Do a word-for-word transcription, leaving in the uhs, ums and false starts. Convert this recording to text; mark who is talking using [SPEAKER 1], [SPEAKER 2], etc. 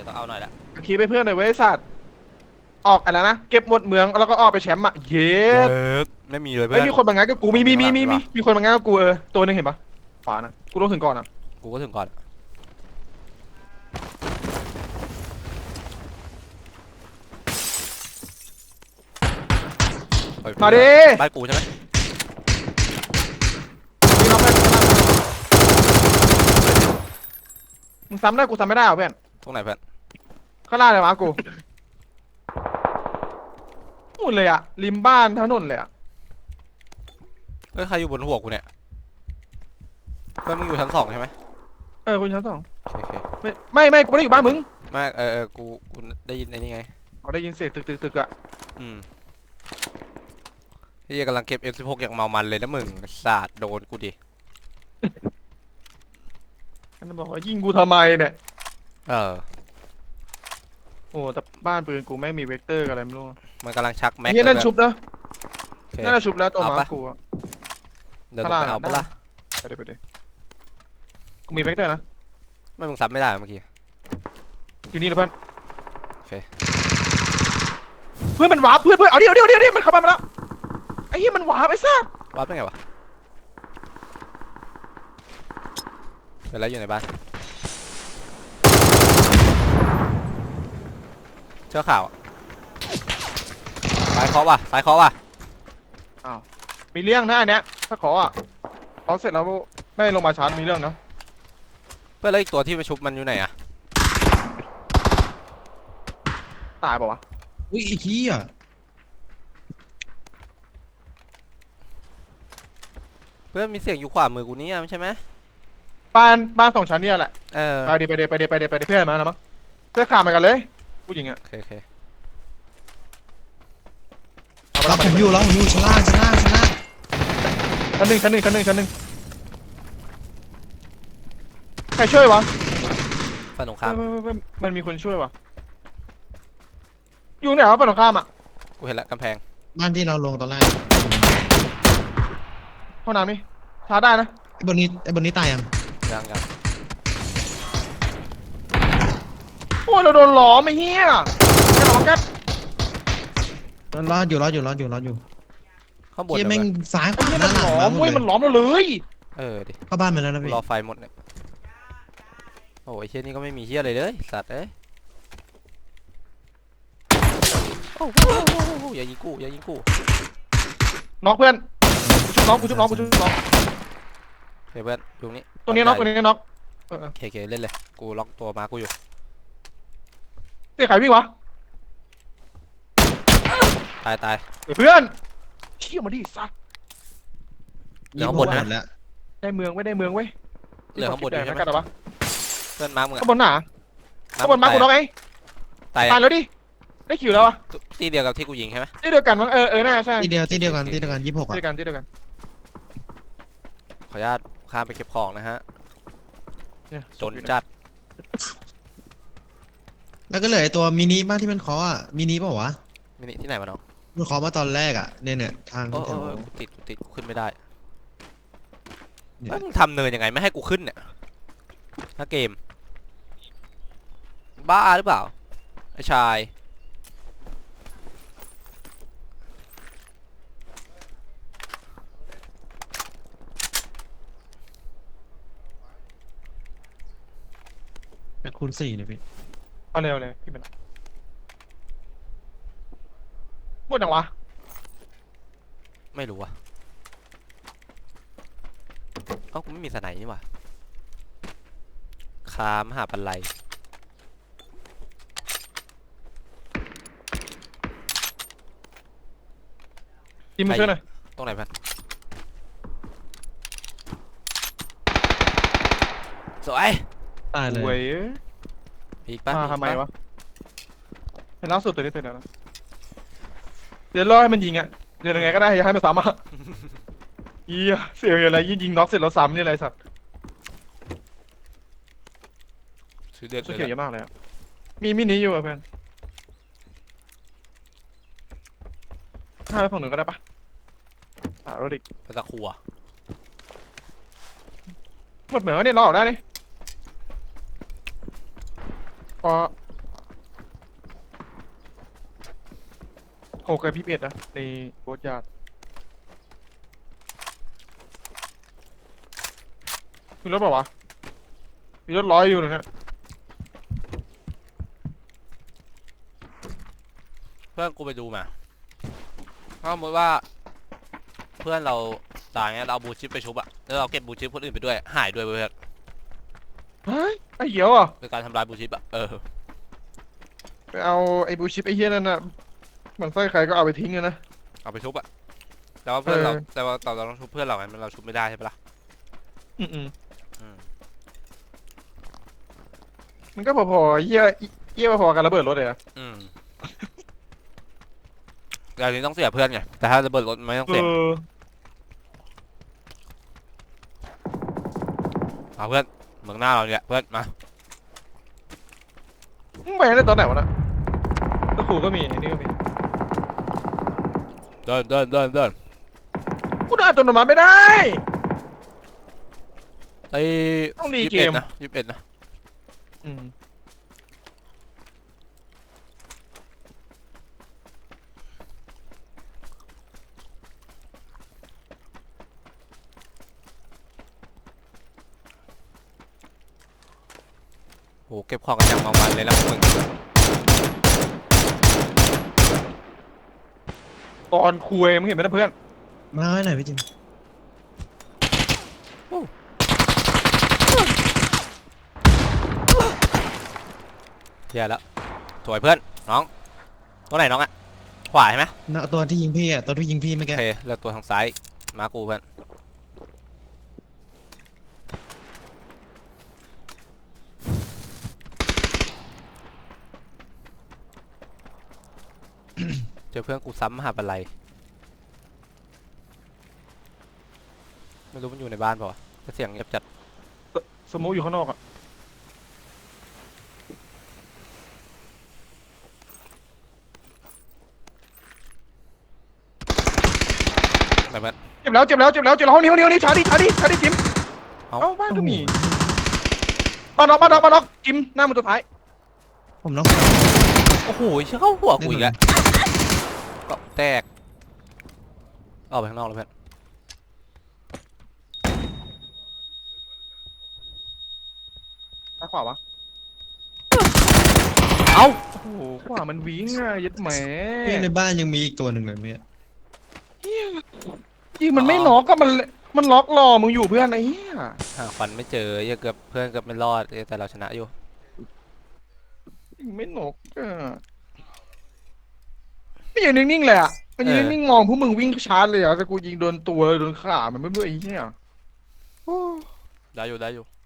[SPEAKER 1] ต้องเอาหน่อยละ
[SPEAKER 2] ขี่ไปเพื่อนหน่อยเว้ยสัตว์ออกอะไรนะเก็บหมดเมืองแล้วก็ออกไปแชมป์อ่ะเย็
[SPEAKER 1] เย
[SPEAKER 2] ด
[SPEAKER 1] อะไม่มีเลย
[SPEAKER 2] ไอ้
[SPEAKER 1] เพื่อน
[SPEAKER 2] มีคนบางงานกับกูมีมีมีมีมีมีคนบางงานกับกูเออตัวนึงเห็นปะขวานะกูต้องถึงก่อนอ่ะ
[SPEAKER 1] กูก็ถึงก่อน
[SPEAKER 2] มาดิ
[SPEAKER 1] บ้านกูใช่ไหม
[SPEAKER 2] มีน้องเพื่อนมึงซ้ำได้กูซ้ำไม่ได้เหรอเพื่อน
[SPEAKER 1] ตรงไหนเพื่อน
[SPEAKER 2] ข้างล่างเลยวะกูนู่นเลยอ่ะริมบ้านถนนเลยอ่ะ
[SPEAKER 1] เฮ้ยใครอยู่บนหัวกูเนี่ยเพื่อนมึงอยู่ชั้นสองใช่ไหม
[SPEAKER 2] เออคุณชั้นสอง
[SPEAKER 1] โอเค
[SPEAKER 2] ไม่ไม่ไม่กูไม่ได้อยู่บ้านมึง
[SPEAKER 1] ไม่เออเออกูกูได้ยินไอ้นี่ไง
[SPEAKER 2] เขาได้ยินเสียงตึกตึกตึกอ่ะ
[SPEAKER 1] อืมที่กำลังเก็บ เอ็ม สิบหก อย่างเมามันเลยนะมึงสาดโดนกูดิ
[SPEAKER 2] มันบอกว่ายิงกูทำไมเนี่ย
[SPEAKER 1] เออ
[SPEAKER 2] โอ้แต่บ้านปืนกูไม่มีเวกเตอร์อะไรไม่รู้
[SPEAKER 1] มันกำลังชักแม็ก
[SPEAKER 2] เฮียนั่นชุบนะนั่นชุบแล้วตัวหมากู
[SPEAKER 1] เดี๋ยวต้องไปเอาปะล่ะ
[SPEAKER 2] ไปเดี๋ยวไปเดี๋ยวกูมีเวกเตอร์นะ
[SPEAKER 1] ไม่มึงซับไม่ได้เมื่อกี้
[SPEAKER 2] อยู่นี่นะเพื่อน
[SPEAKER 1] โอเค
[SPEAKER 2] เพื่อนมันวาร์ปเพื่อนเพื่อนเอาดิเอาดิเอาดิเอาดิมันเข้ามาแล้วไอ้เหี้ยมันวาร์ปไอ้ซ่
[SPEAKER 1] วาร์ปได้ไงวะเดี๋ยวแล้วอยู่ในบ้านเชื่อข่าวสายเคาะว่ะสายเคาะว่ะ
[SPEAKER 2] อ้าวมีเรื่องนะอันเนี้ยถ้าขออ่ะขอเสร็จแล้วไม่ลงมาชาร์จมีเรื่องนะ
[SPEAKER 1] เพื่อนแล้วอีกตัวที่มาชุบมันอยู่ไหนอะ
[SPEAKER 2] ตายป่าวะ
[SPEAKER 3] อุ้ยไอ้เหี้ย
[SPEAKER 1] เพื่อนมีเสียงอยู่ขวามือกูนี่ไม่ใช่ไหม
[SPEAKER 2] บ้านบ้านสองชั้นเนี่ยแหละ
[SPEAKER 1] เออ
[SPEAKER 2] ไปดิไปดิไปดิไปดิไปดิเพื่อนมาแล้วมั้งเพื่อนขาดเหมือนกันเลยผู้หญิงอ่ะ
[SPEAKER 1] โอเคโอเค
[SPEAKER 3] เราผมอยู่เราผมอยู่ชั้นล่างชั้นล่างชั้นล่าง
[SPEAKER 2] ชั้นหนึ่งชั้นหนึ่งชั้นหนึ่งชั้นหนึ่งใครช่วยวะ
[SPEAKER 1] ฝั่งตรงข้าม
[SPEAKER 2] มันมีคนช่วยวะอยู่ไหนวะฝั่งตรงข้ามอ่ะ
[SPEAKER 1] กูเห็นละกำแพง
[SPEAKER 3] บ้านที่เราลงตอนแรก
[SPEAKER 2] ห้องน้ำนี่ชาร์จได้นะ
[SPEAKER 3] ไอ้บนนี้ไอ้บนนี้ตายยัง
[SPEAKER 1] ยังยัง
[SPEAKER 2] โอ้ยเราโดนหลอมไอ้เหี้ยแค่หลอมแค่
[SPEAKER 3] รอดอยู่รอดอยู่รอดอยู่รอดอยู่
[SPEAKER 1] ข้างบน
[SPEAKER 3] เหี้ยแม่ง
[SPEAKER 1] เลย
[SPEAKER 3] ซ้ายขวาห
[SPEAKER 2] มั
[SPEAKER 3] น้าน หลั
[SPEAKER 2] หล
[SPEAKER 3] ง
[SPEAKER 2] อ
[SPEAKER 3] มาม หมด
[SPEAKER 2] เว้ย
[SPEAKER 3] เล
[SPEAKER 2] มัน
[SPEAKER 3] ย
[SPEAKER 2] หลอมเราเลย
[SPEAKER 1] เออดิ
[SPEAKER 3] เข้าบ้านไปแล้วนะพี่
[SPEAKER 1] รอไฟหมดเนี่ยโอ้ยเชี่ยนี่ก็ไม่มีเชี่ยอะไรเลยสัตว์เอ้ยโอ้โหอย่ายิงกูอย่ายิงกู
[SPEAKER 2] น็อกเพื่อนกูชุบน้องกูชุบน้องกูชุบน้อง
[SPEAKER 1] เฮ้ยเพื่อนอยู่นี่
[SPEAKER 2] ตัวนี้น็อกตัวนี้น็อก
[SPEAKER 1] โอเคโอเคเล่นเลยกูล็อกตัวมากูอยู่
[SPEAKER 2] เตะใครวิ่งวะ
[SPEAKER 1] ตายตาย
[SPEAKER 2] เพื่อนเชี่ยมาดิสัตว์
[SPEAKER 1] เหลือข้างบนนะ
[SPEAKER 3] แล้ว
[SPEAKER 2] ได้เมืองไม่ได้เมืองเว้ย
[SPEAKER 1] เหลือข้างบนอยู่ใช่ไหม
[SPEAKER 2] กันหรอวะ
[SPEAKER 1] เพื่อนมาร์กมึงอะ
[SPEAKER 2] ข้างบนหนาข้างบนมากูน็อกไง
[SPEAKER 1] ตาย
[SPEAKER 2] ตายแล้วดิได้คิวแล้วอะ
[SPEAKER 1] ที่เดียวกับที่กูยิงใช่ไหม
[SPEAKER 2] ที่เดียวกันมั้งเออเออน่าใช่
[SPEAKER 3] ที่เดียวที่เดียวกันที่เดียวกันยี่สิบหกอ่ะ
[SPEAKER 2] ที่เดียวกันที่เดียวกัน
[SPEAKER 1] ขออนุญาตข้ามไปเก็บของนะฮะจนจัด
[SPEAKER 3] แล้วก็เหลือไอ้ตัวมินิบ้านที่มันเคาะอ่ะมินิเปล่าวะ
[SPEAKER 1] มินิที่ไหนมาน้อง
[SPEAKER 3] มันเคาะมาตอนแรกอ่ะเนี่ยเนี่ยทาง
[SPEAKER 1] โอ้
[SPEAKER 3] แถว
[SPEAKER 1] กูติดกูติดกูขึ้นไม่ได้มึงทำเนินยังไงไม่ให้กูขึ้นเนี่ยถ้าเกมบ้าหรือเปล่าไอ้ชาย
[SPEAKER 3] เป็นคูณสี่เลยพี่
[SPEAKER 2] เอาเร็วเลยพี่เป็นหมดยังวะ
[SPEAKER 1] ไม่รู้อะเอ้ากูไม่มีสไนนี่หว่าคามหาปันไล
[SPEAKER 2] ทีมมาช่วยหน่อย
[SPEAKER 1] ตรงไหนพันสวย
[SPEAKER 3] ตายเลย
[SPEAKER 2] เว้ย
[SPEAKER 1] อีกปะ
[SPEAKER 2] มาทำไมวะเห็นล่าสุดตัวนี้ตัวนี้เดี๋ยวรอให้มันยิงอ่ะเดี๋ยวยังไงก็ได้อย่าให้มันซ้ำอ่ะเฮียเสียอะไรยิงยิงน็อกเสร็จแล้วซ้ำนี่อะไรสัตว์
[SPEAKER 1] ซื้อเดือด
[SPEAKER 2] สุดเขียวเยอะมากเลยอ่ะมีมินิอยู่อ่ะเพื่อนถ้าไปฝั่งหนึ่งก็ได้ปะอ่ารถอีก
[SPEAKER 1] ไปตะขัว
[SPEAKER 2] หมดเหมือนว่าเนี่ยเราออกได้นี่พอหกกับพี่เอ็ดนะในโบสยาร์ดมีรถเปล่าวะมีรถร้อยอยู่เลยเนี่ย
[SPEAKER 1] เพื่อนกูไปดูมาถ้าสมมติว่า เพื่อนเราตายเงี้ยเราเอาบูชิปไปชุบอะแล้วเราเก็บบูชิปคนอื่นไปด้วยหายด้วยเพื่อน
[SPEAKER 2] เฮ้ยไอ้เหี้ยวอ่ะ
[SPEAKER 1] โดยการทำลายบูชิปอะเออ
[SPEAKER 2] ไปเอาไอ้บูชิปไอ้เหี้ยนั่นน่ะมันไส้ใครก็เอาไปทิ้งเลยนะ
[SPEAKER 1] เอาไปชุบอะแต่ว่าเพื่อนเรา
[SPEAKER 2] เออ
[SPEAKER 1] แต่ว่าเราเราต้องชุบเพื่อนเราไงมันเราชุบไม่ได้ใช่ปะล่ะ
[SPEAKER 2] อืมอืม
[SPEAKER 1] อืม
[SPEAKER 2] มันก็พอๆเหี้ยเหี้ยพอๆกันระเบิดรถเลยอะ
[SPEAKER 1] อืมแต่อันนี้ต้องเสียเพื่อนไงแต่ถ้าระเบิดรถไม่ต้อง
[SPEAKER 2] เอ
[SPEAKER 1] เสีย
[SPEAKER 2] อ
[SPEAKER 1] เอาเพื่อนเมืองหน้าเราเนี่ยเพื่อนมา
[SPEAKER 2] มึงไปได้ตอนไหนวะนะตะขู่ก็มีไอ้นี่ก็มี
[SPEAKER 1] เดินเดินเดินเดิน
[SPEAKER 2] กูเดินอัตโนมัติไม่ได้
[SPEAKER 1] ไอ้
[SPEAKER 2] ต้องรี
[SPEAKER 1] ยี่สิบ
[SPEAKER 2] เก
[SPEAKER 1] เอ็ด
[SPEAKER 2] ม
[SPEAKER 1] นะยี่สิบเอ็ดนะ
[SPEAKER 2] อืม
[SPEAKER 1] โหเก็บของกันอย่างเมามันเลยนะพวกมึง
[SPEAKER 2] ตอนคุยมึงเห็นไหมนะเพื่อน
[SPEAKER 3] มาไว้หน่อยพี่จิม
[SPEAKER 1] แย่แล้วสวยเพื่อนน้องตัวไหนน้องอะขวาใช่ไหม
[SPEAKER 3] น่ะตัวที่ยิงพี่อ่ะตัวที่ยิงพี่เมื่อ
[SPEAKER 1] โอ
[SPEAKER 3] กี้
[SPEAKER 1] เคเลือกตัวทางซ้ายมากูเพื่อนเจอเพื่อนกูซ้ำมหาบันไลยไม่รู้มันอยู่ในบ้านเปล่าวะแต่เสียงเงียบจัด
[SPEAKER 2] สโมูอยู่ข้างนอกอ่ะ
[SPEAKER 1] แบบนั้น
[SPEAKER 2] เจ็บแล้วเจ็บแล้วเจ็บแล้วเจ็บแล้วห้องนี้ห้องนี้ห้องนี้ชาร์ดิชาร์ดิชาร์ดิจิม
[SPEAKER 1] เอ้า
[SPEAKER 2] เอ้าบ้านก็มีบ้านน็อกบ้านน็อกบ้านน็อกจิมหน้ามันตัวท้าย
[SPEAKER 3] ผมน้อง
[SPEAKER 1] โอ้โหเชื่อเข้าหัวกูอีกแล้วก็แตกออกไปข้างนอกแล้วเพื่อน
[SPEAKER 2] ซ้ายขวาวะ
[SPEAKER 1] เอ้า
[SPEAKER 2] โอ้โหขวามันวิ่งอ่ะยัดแหม
[SPEAKER 3] พี่ในบ้านยังมีอีกตัวหนึ่งเลยเมื่อกี้
[SPEAKER 2] ยิงมันไม่น็อกก็มันมันล็อกรอมึงอยู่เพื่อนไอ้เหี้ย
[SPEAKER 1] หาฟันไม่เจออย่าเกือบเพื่อนเกือบไม่รอดแต่เราชนะอยู่
[SPEAKER 2] ยิงไม่น็อกอ่ะไม่อยู่นิ่งๆเลยอ่ะมันยืนนิ่งๆมองพวกมึงวิ่งชาร์จเลยอ่ะแต่กูยิงโดนตัวโดนขามันไม่รู้ไอ้เหี้ยโอ้
[SPEAKER 1] ได้อยู่ได้อยู่